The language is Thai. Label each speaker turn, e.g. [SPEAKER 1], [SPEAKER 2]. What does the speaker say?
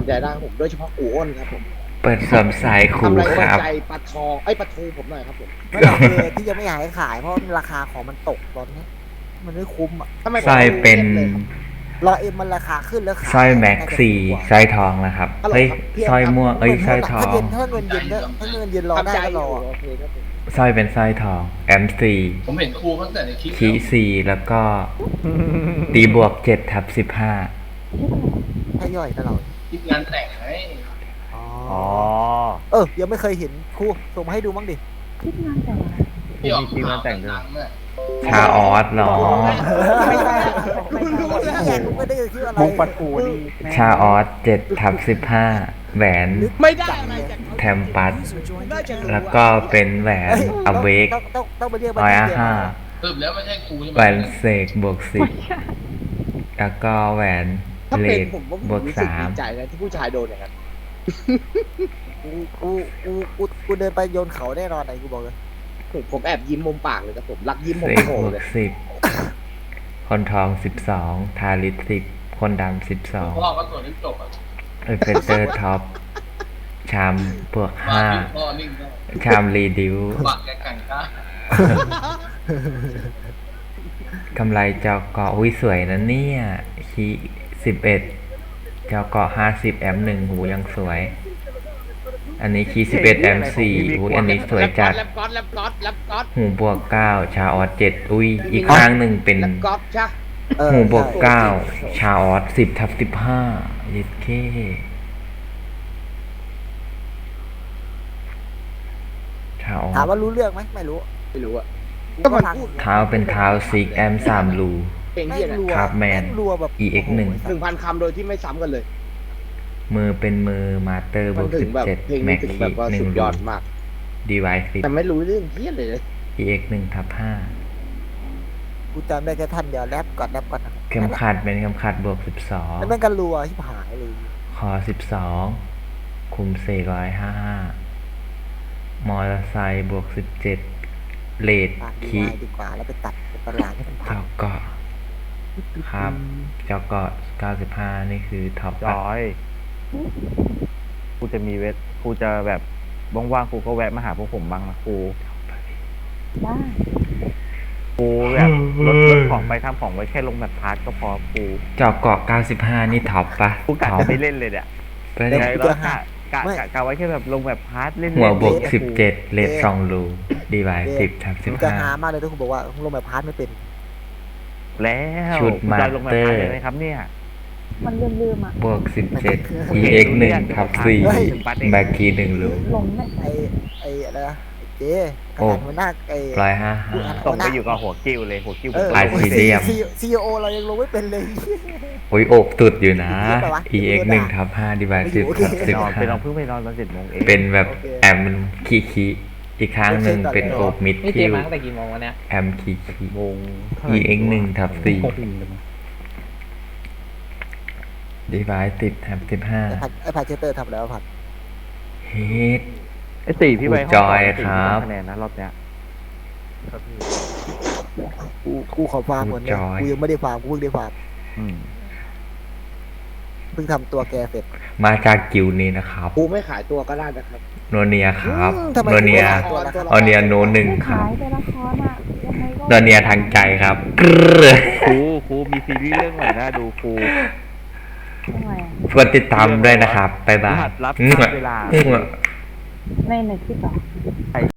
[SPEAKER 1] ใจได้ครับผมโดยเฉพาะกูอ้นครับผม
[SPEAKER 2] เปิดสวมสายครู
[SPEAKER 1] ทำอะไร
[SPEAKER 2] ค
[SPEAKER 1] โดน
[SPEAKER 2] รับ
[SPEAKER 1] ใจปลาทองไอ้ยปลาทูผมหน่อยครับผม
[SPEAKER 3] ไม่หรอกคือที่ยังไม่อยากให้ขายเพราะราคาของมันตกตอนนี้มันไม่คุ้มอ่ะ
[SPEAKER 1] ทำไม
[SPEAKER 2] สร้อยเป็น
[SPEAKER 1] เลยครับ
[SPEAKER 3] รอเอ็มมันราคาขึ้นแล้วขาย
[SPEAKER 2] สร้อยแม็ก
[SPEAKER 3] น่าจะ
[SPEAKER 2] ซี่
[SPEAKER 3] ถูกกว่า
[SPEAKER 2] สร้อยทองนะครับ
[SPEAKER 1] ฮัลโหล
[SPEAKER 2] เฮ้ย
[SPEAKER 1] ครับพี่
[SPEAKER 2] สร้อย
[SPEAKER 1] ครับ
[SPEAKER 2] ม่วงเอ้ยสร้อยทอ
[SPEAKER 3] ถ้าง ถ้าเงินเย็นก็ถ้าเงินเย็นรอได้
[SPEAKER 1] ทำใจ
[SPEAKER 3] ก็
[SPEAKER 1] อ
[SPEAKER 3] ร
[SPEAKER 1] ยู่
[SPEAKER 3] อ
[SPEAKER 1] โอเคครับผม
[SPEAKER 2] สร้อยเป็นสร้อยทองแอมซี
[SPEAKER 4] ผมเห็นครูตั้งแต่ในคลิป
[SPEAKER 2] คีซีแล้วก็ตีบวก7/15
[SPEAKER 3] ถ้าย่อยก็เรา
[SPEAKER 4] คลิปงานแต่งไง
[SPEAKER 3] อ๋อ
[SPEAKER 5] อ๋อ
[SPEAKER 3] ยังไม่เคยเห็นครูส่งมาให้ดูมั้งดิ
[SPEAKER 6] คิดงานแต่งอะไร
[SPEAKER 4] ที่ออก
[SPEAKER 5] มีคลิปงานแต่งด้วย
[SPEAKER 4] ดังๆน่ะ
[SPEAKER 2] ชาออสเหรอ
[SPEAKER 6] ไม่ใช่บอกไม่ใช่
[SPEAKER 3] แย่กูไม่ได้คิดอะไร
[SPEAKER 5] มุกปัดกูนี่แม่ง
[SPEAKER 2] ชาออส7/15แหวน
[SPEAKER 1] ไม่ได้อะไรจากเขา
[SPEAKER 2] แทมปัส
[SPEAKER 1] น่าจะรู้
[SPEAKER 2] แล้วก็เป็นแหวนอเวก
[SPEAKER 3] ต้องไปเรียก
[SPEAKER 2] ร้อย
[SPEAKER 3] มัน
[SPEAKER 2] ห้า
[SPEAKER 4] สรุปแล้วไม่ใช่ครูใช่ไหม
[SPEAKER 2] แหวนเสกบวก10แล้วก็แหวน
[SPEAKER 1] ถ้า
[SPEAKER 2] เล
[SPEAKER 1] เป็น
[SPEAKER 2] ด
[SPEAKER 1] ผมว่าผม
[SPEAKER 2] บวก
[SPEAKER 1] รู้สึกดี
[SPEAKER 2] 3
[SPEAKER 1] ใจนะที่ผู้ชายโดนอย่างนั้น
[SPEAKER 3] กูเดินไปโยนเขาแน่นอนไอ้กูบอกเลย
[SPEAKER 1] ผมแอบยิ้มมุมปากเลยครับผมรักยิ้มผม
[SPEAKER 2] เสก
[SPEAKER 1] โผล่
[SPEAKER 2] บว
[SPEAKER 1] เล
[SPEAKER 2] ก
[SPEAKER 1] ย
[SPEAKER 2] 10คนทอง12ทาริส10คนดำ
[SPEAKER 4] พ่อก็ตัวนี้จบอ่ะ
[SPEAKER 2] 12เอเฟเตอร์ท็อปชามบวก
[SPEAKER 4] วางนิ่งพ่อนิ่งก็
[SPEAKER 2] 5ชามรีดิว
[SPEAKER 4] วางแกกันก้าก
[SPEAKER 2] ำไรเจาเกาะอุ้ยสวยนะเนี่ยคี11เจาเกาะ50แอม1หูยังสวย อันนี้คี11แอม4อุ้ยอันนี้สวยจัด
[SPEAKER 1] แลปก๊อตแลปก๊อตแลปก๊อต
[SPEAKER 2] หูบวก9ชาออส7อุ้ยอีกข้างหนึ่งเป็น
[SPEAKER 1] แลปก๊อตใช่
[SPEAKER 2] หูบวก9ชาออส10/15ยิดเคชาออ
[SPEAKER 3] ถาม
[SPEAKER 2] ส
[SPEAKER 3] ว่ารู้เรื่องไหมไม่รู้
[SPEAKER 1] ไม่รู้อะ
[SPEAKER 3] กู
[SPEAKER 1] ก็มัน
[SPEAKER 3] ฟัง
[SPEAKER 1] พูด
[SPEAKER 2] เท้าเป็นเท้าซิกแอม3รู
[SPEAKER 1] เพลง
[SPEAKER 3] แม่
[SPEAKER 1] เยี่ย
[SPEAKER 3] ง
[SPEAKER 1] นะ
[SPEAKER 3] รัว
[SPEAKER 2] ครับแมน
[SPEAKER 3] งรัวแบบ
[SPEAKER 2] EX1
[SPEAKER 3] โโห
[SPEAKER 1] 1,000 คำโดยที่ไม่ซ้ำกันเลย
[SPEAKER 2] มือเป็นมือมาเตอร์บ
[SPEAKER 1] มั
[SPEAKER 2] วน ก
[SPEAKER 1] ถึงแบบเพลง
[SPEAKER 2] 17แม็
[SPEAKER 1] นี้
[SPEAKER 2] ก
[SPEAKER 1] ถึง
[SPEAKER 2] คี
[SPEAKER 1] แบบว่าสุดยอดมาก
[SPEAKER 2] 1ดีไวซ์
[SPEAKER 1] แต่ไม่รู้เรื่องเพี้ยเลย
[SPEAKER 2] EX1/5
[SPEAKER 3] กูจำได้แค่ท่านเดียวแรปก่อนนะครับ
[SPEAKER 2] เข็มขัดเป็นเข็มขัดบวก
[SPEAKER 3] แล้วแม่งกันรัวชิบหายเลย
[SPEAKER 2] 12คอ12คุมเสก155มอเตอร์ไซค์บวก17เลด
[SPEAKER 3] ปากดี
[SPEAKER 2] คี
[SPEAKER 3] วายดีกว่าแล้วไปตัดเป็นตลาดให้มันพั
[SPEAKER 2] เจาง เกาะครับเจาเกาะ95นี่คือท็อป
[SPEAKER 5] จอยกูจะมีกูจะแบบว่างๆกูก็แวะมาหาพวกผมบ้างนะกู
[SPEAKER 6] ได้
[SPEAKER 5] กูแบบรถของไปทำของไว้แค่ลงแบบพาร์ทก็พอกู
[SPEAKER 2] เจาเกาะ95นี่ท็อปปะ
[SPEAKER 5] กูกะ
[SPEAKER 2] ท็อป
[SPEAKER 5] จะไม่เล่นเลยเนี่ย
[SPEAKER 2] ไปเล
[SPEAKER 5] ไง
[SPEAKER 2] ย
[SPEAKER 5] แล้วกะไว้แค่แบบลงแบบพาร์ทเล่น
[SPEAKER 2] หัวบวก
[SPEAKER 5] เล่น
[SPEAKER 2] 17เลด2รูดีไวซ์
[SPEAKER 3] มันจะหา
[SPEAKER 2] 10/15
[SPEAKER 3] มากเลยถ้าคุณบอกว่าคุณลงแบบพาร์ทไม่เป็น
[SPEAKER 5] แล้ว
[SPEAKER 2] ชุด
[SPEAKER 5] กูจะลงแบบพาร์ท
[SPEAKER 2] มาสเตอร์
[SPEAKER 5] เลยไหมครับเนี่ย
[SPEAKER 6] มันลืมๆอ่ะ
[SPEAKER 2] บวก17 EX1/4แม็กคี1รู
[SPEAKER 6] หลงไม่
[SPEAKER 3] ไอ้อะไรนะไอ้เจ๊ข
[SPEAKER 2] โอ้
[SPEAKER 3] นาดหัวหน้าไอ้
[SPEAKER 2] 155
[SPEAKER 5] ต้องไปอยู่กับหัวกิ้วเลยหัวกิ้ว
[SPEAKER 2] ลายสีเหลี่ยม
[SPEAKER 3] ซีโอเรายังลงไม่เป็นเลย
[SPEAKER 2] อุ้ยโอบตุดอยู่นะ
[SPEAKER 3] เยอะไปวะ
[SPEAKER 2] EX1/5ดีไวซ์
[SPEAKER 5] ไปนอนไปนอน
[SPEAKER 2] 10/15
[SPEAKER 5] เพิ่งไปนอนตอน7 โมงเอง
[SPEAKER 2] เป็นแบบ
[SPEAKER 3] โอเค
[SPEAKER 2] แอมคีอีกครั้งหนึ่งเป็นโอบมิด
[SPEAKER 7] นี่เจ
[SPEAKER 2] คิว
[SPEAKER 7] มาตั้งแต่กี่โมงวะเนี่ย
[SPEAKER 2] แอมคี
[SPEAKER 5] วงเท่าไหร่
[SPEAKER 2] EX1/4 ดีไวซ์10/15
[SPEAKER 3] ไอ้ผัดเชสเตอร์ทำแล้วผัด
[SPEAKER 2] เฮ็ด
[SPEAKER 5] ไอ้สี่พี่ไป
[SPEAKER 2] จอยครับ
[SPEAKER 5] คะแนนนะรอบเนี้ย
[SPEAKER 3] กูขอฟาร์มก่อนเนี่ย
[SPEAKER 2] จอย
[SPEAKER 3] กูยังไม่ได้ฟาร์มกูเพิ่งได้ฟาร์ม
[SPEAKER 5] อืม
[SPEAKER 3] เพิ่งทำตัวแกเสร็จ
[SPEAKER 2] มาจากกิวนี้นะครับ
[SPEAKER 1] กูไม่ขายตัวก็ได้นะครับ
[SPEAKER 2] โนเนียครับ
[SPEAKER 3] ทำไม
[SPEAKER 2] โนเนีย
[SPEAKER 3] กูไม่ขายตัวล่ะ
[SPEAKER 2] โนเนียโนหนึ่งครั
[SPEAKER 6] ขา
[SPEAKER 2] บ
[SPEAKER 6] ยแต่ละครอ่ะยังไงก็
[SPEAKER 2] โนเนียทางใจครับ
[SPEAKER 5] ครูมีซีรีส์เรื่องใหม่น่าดูครู
[SPEAKER 6] ทำไมอ่ะ
[SPEAKER 2] กดติดตามด้วยนะครับ บ๊ายบาย
[SPEAKER 5] รหัสลับเวลา
[SPEAKER 6] ในเน็ตที่ต่อ